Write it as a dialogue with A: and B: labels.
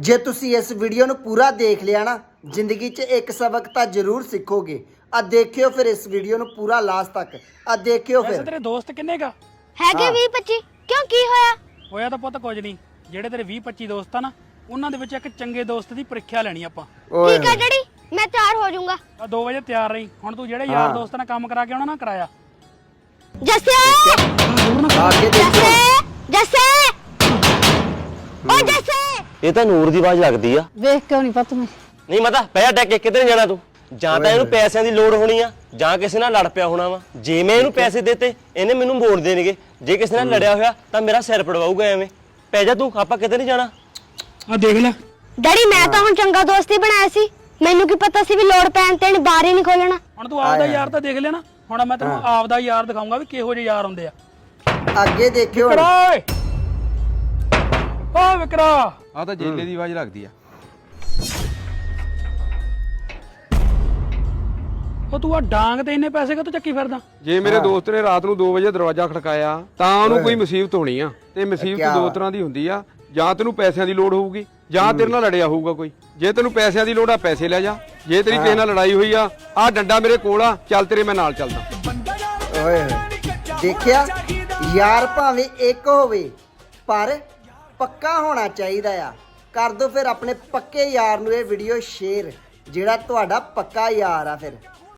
A: ਜੇ ਤੁਸੀਂ ਇਸ ਵੀਡੀਓ ਨੂੰ ਪੂਰਾ ਦੇਖ ਲਿਆ ਨਾ, ਜ਼ਿੰਦਗੀ 'ਚ ਇੱਕ ਸਬਕ ਤਾਂ ਜ਼ਰੂਰ ਸਿੱਖੋਗੇ। ਆ ਦੇਖਿਓ ਫਿਰ ਇਸ ਵੀਡੀਓ ਨੂੰ ਪੂਰਾ ਲਾਸਟ ਤੱਕ। ਆ ਦੇਖਿਓ ਫਿਰ।
B: ਤੇਰੇ ਦੋਸਤ ਕਿੰਨੇ ਕਾ
C: ਹੈਗੇ 20-25। ਕਿਉਂ ਕੀ ਹੋਇਆ?
B: ਹੋਇਆ ਤਾਂ ਪੁੱਤ ਕੁਝ ਨਹੀਂ। ਜਿਹੜੇ ਤੇਰੇ 20-25 ਦੋਸਤ ਆ ਨਾ, ਉਹਨਾਂ ਦੇ ਵਿੱਚ ਇੱਕ ਚੰਗੇ ਦੋਸਤ ਦੀ ਪ੍ਰੀਖਿਆ ਲੈਣੀ ਆਪਾਂ।
C: ਠੀਕ ਹੈ ਡੈਡੀ, ਮੈਂ ਤਿਆਰ ਹੋ ਜਾਊਂਗਾ।
B: ਆ 2 ਵਜੇ ਤਿਆਰ ਰਹੀ। ਹੁਣ ਤੂੰ ਜਿਹੜੇ ਯਾਰ ਦੋਸਤ ਨਾਲ ਕੰਮ ਕਰਾ ਕੇ ਆਉਣਾ ਨਾ, ਕਰਾਇਆ।
C: ਜੱਸੇ
A: ਆਗੇ ਦੇਖੋ।
C: ਜੱਸੇ ਓ ਜੱਸੇ,
D: ਇਹ ਤਾਂ ਨੂਰ ਦੀ ਆਵਾਜ਼ ਲੱਗਦੀ ਆ।
E: ਵੇਖ ਕਿਉਂ ਨਹੀਂ ਪਤਾ ਮੈਂ
D: ਨਹੀਂ ਮਤਾ ਪਿਆ ਡੱਕ ਕੇ ਕਿੱਧਰ ਜਾਣਾ ਤੂੰ? ਜਾਂ ਤਾਂ ਇਹਨੂੰ ਪੈਸਿਆਂ ਦੀ ਲੋੜ ਹੋਣੀ ਆ, ਜਾਂ ਕਿਸੇ ਨਾਲ ਲੜ ਪਿਆ ਹੋਣਾ ਵਾ। ਜੇ ਮੈਂ ਇਹਨੂੰ ਪੈਸੇ ਦਿੱਤੇ, ਇਹਨੇ ਮੈਨੂੰ ਮੋੜ ਦੇਣਗੇ। ਜੇ ਕਿਸੇ ਨਾਲ ਲੜਿਆ ਹੋਇਆ ਤਾਂ ਮੇਰਾ ਸਿਰ ਪੜਵਾਊਗਾ ਐਵੇਂ। ਪੈ ਜਾ ਤੂੰ, ਆਪਾਂ ਕਿਤੇ ਨਹੀਂ ਜਾਣਾ।
B: ਆ ਦੇਖ ਲੈ।
C: ਡੈਡੀ ਮੈਂ ਤਾਂ ਹੁਣ ਚੰਗਾ ਦੋਸਤ ਹੀ ਬਣਾਇਆ ਸੀ। ਮੈਨੂੰ ਕੀ ਪਤਾ ਸੀ ਵੀ ਲੋੜ ਪੈਣ ਤੇ ਇਹਨੇ ਬਾਹਰ ਹੀ ਨਹੀਂ ਖੋਲਣਾ।
B: ਹੁਣ ਤੂੰ ਆਪਦਾ ਯਾਰ ਤਾਂ ਦੇਖ ਲਿਆ ਨਾ। ਹੁਣ ਮੈਂ ਤੈਨੂੰ ਆਪਦਾ ਯਾਰ ਦਿਖਾਉਂਗਾ ਵੀ ਕਿਹੋ ਜਿਹੇ ਯਾਰ ਹੁੰਦੇ ਆ।
A: ਅੱਗੇ ਦੇਖਿਓ।
B: ਓਏ ਓ ਵਿਕਰਾ,
F: ਆ ਤਾਂ ਜੇਲੇ ਦੀ ਆਵਾਜ਼ ਲੱਗਦੀ ਆ।
B: ਉਹ ਤੂੰ ਆ ਡਾਂਗ ਤੇ ਇੰਨੇ ਪੈਸੇ ਕਿੱਥੋਂ ਚੱਕੀ ਫਿਰਦਾ?
F: ਜੇ ਮੇਰੇ ਦੋਸਤ ਨੇ ਰਾਤ ਨੂੰ 2 ਵਜੇ ਦਰਵਾਜ਼ਾ ਖੜਕਾਇਆ ਤਾਂ ਉਹਨੂੰ ਕੋਈ ਮੁਸੀਬਤ ਹੋਣੀ ਆ। ਤੇ ਮੁਸੀਬਤ 2 ਤਰ੍ਹਾਂ ਦੀ ਹੁੰਦੀ ਆ। ਜਾਂ ਤੈਨੂੰ ਪੈਸਿਆਂ ਦੀ ਲੋੜ ਹੋਊਗੀ, ਜਾਂ ਤੇਰੇ ਨਾਲ ਲੜਿਆ ਹੋਊਗਾ ਕੋਈ। ਜੇ ਤੈਨੂੰ ਪੈਸਿਆਂ ਦੀ ਲੋੜ ਆ, ਪੈਸੇ ਲੈ ਜਾ। ਜੇ ਤੇਰੀ ਕਿਸੇ ਨਾਲ ਲੜਾਈ ਹੋਈ ਆ, ਆਹ ਡੰਡਾ ਮੇਰੇ ਕੋਲ ਆ, ਚੱਲ ਤੇਰੇ ਮੈਂ ਨਾਲ ਚੱਲਦਾ।
A: ਓਏ ਦੇਖਿਆ, ਯਾਰ ਭਾਵੇਂ ਇੱਕ ਹੋਵੇ ਪਰ ਪੱਕਾ ਹੋਣਾ ਚਾਹੀਦਾ ਆ। ਕਰ ਦੋ ਫਿਰ ਆਪਣੇ ਪੱਕੇ ਯਾਰ ਨੂੰ ਇਹ ਵੀਡੀਓ ਸ਼ੇਅਰ, ਜਿਹੜਾ ਤੁਹਾਡਾ ਪੱਕਾ ਯਾਰ ਆ। ਫਿਰ